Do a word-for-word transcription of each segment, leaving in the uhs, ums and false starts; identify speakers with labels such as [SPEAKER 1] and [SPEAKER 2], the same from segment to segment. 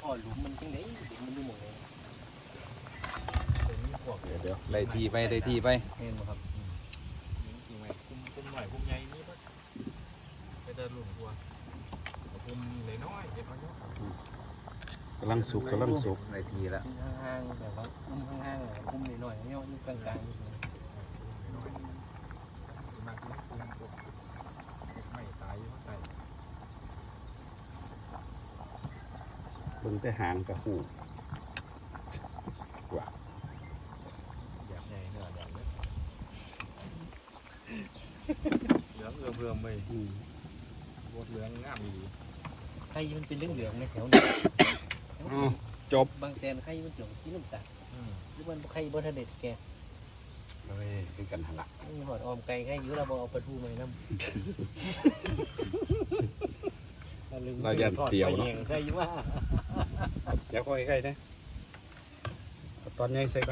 [SPEAKER 1] อหลุมมันจังได๋มันอยู่หม่องไหน
[SPEAKER 2] เดี๋ยวเดี๋ยวได้ทีไปได้ทีไป
[SPEAKER 1] แม่นบ่ครับ
[SPEAKER 3] จริงไหมคุ้มคุ้มหน่อยคุ้มใหญ่นี่ปะไปเดินหลุมทัวคุ้มเลยน้อยเด็ดน้อย
[SPEAKER 2] กำลังสุกกำลังสุกได้ทีละ
[SPEAKER 1] ห่างๆแบบว่าอุ้มห่างๆอ่ะอุ้มน้อยๆเนี่ยอยู่กลางๆอยู่
[SPEAKER 3] น้อยมากคุ้มคุ้มพวกไม่ตายอยู่ใส่
[SPEAKER 2] เบิ่งแต่หางกับหูว่า
[SPEAKER 3] แบบใหญ่เนื้อแดงเลยเหลืองเอื้อเพื่อมไป
[SPEAKER 2] อืม
[SPEAKER 3] บดเหลืองงามดี
[SPEAKER 1] ไข่มันเป็นเหลืองๆในแถวนี้
[SPEAKER 2] อ๋อจบบ
[SPEAKER 1] างแสนไข่มันเหลืองสีน้ำตาล
[SPEAKER 3] อืม
[SPEAKER 1] หรือมันไข่บ่ทันได้แก่
[SPEAKER 2] เฮ้ยคือกันหันละ
[SPEAKER 1] มีหอดออมไก่ไข่อยู่เราบ่เอาปลาทูมาให้นำ
[SPEAKER 2] เราจะเตียวเนาะ
[SPEAKER 1] ไข่อยู่ว่า
[SPEAKER 2] เดี๋ยวค่อยใกล้ๆนะเอาตอนนี้ใส่ก่อน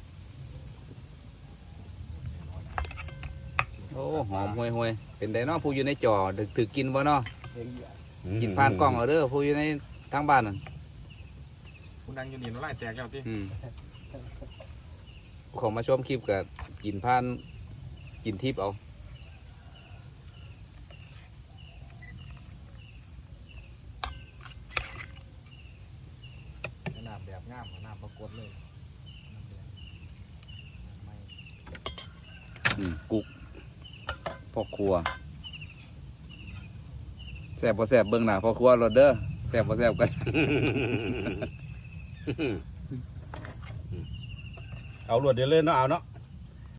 [SPEAKER 2] โอ้หอมห่วยๆเป็นไดเนาะผู้อยู่ในจอดึกถือกินบ่เนาะกินผ่านกล้องเอาเด้อผู้อยู่ในทางบ้านนั่น
[SPEAKER 3] คุณดังอยู่นี่น้ำลายแตกแล้วที่
[SPEAKER 2] อืมของมาชมคลิปกับกินผ่านกินทิพย์เอา
[SPEAKER 3] น้ำแบบงามน้ำปรากฏเลย
[SPEAKER 2] อืมกุกพ่อครัวแซ่บบ่แซ่บเบิ่งหน้าพ่อครัวรถเด้อแซ่บบ่แซ่บกัน เอารวดเดียวเลยเนาะเอาเนาะ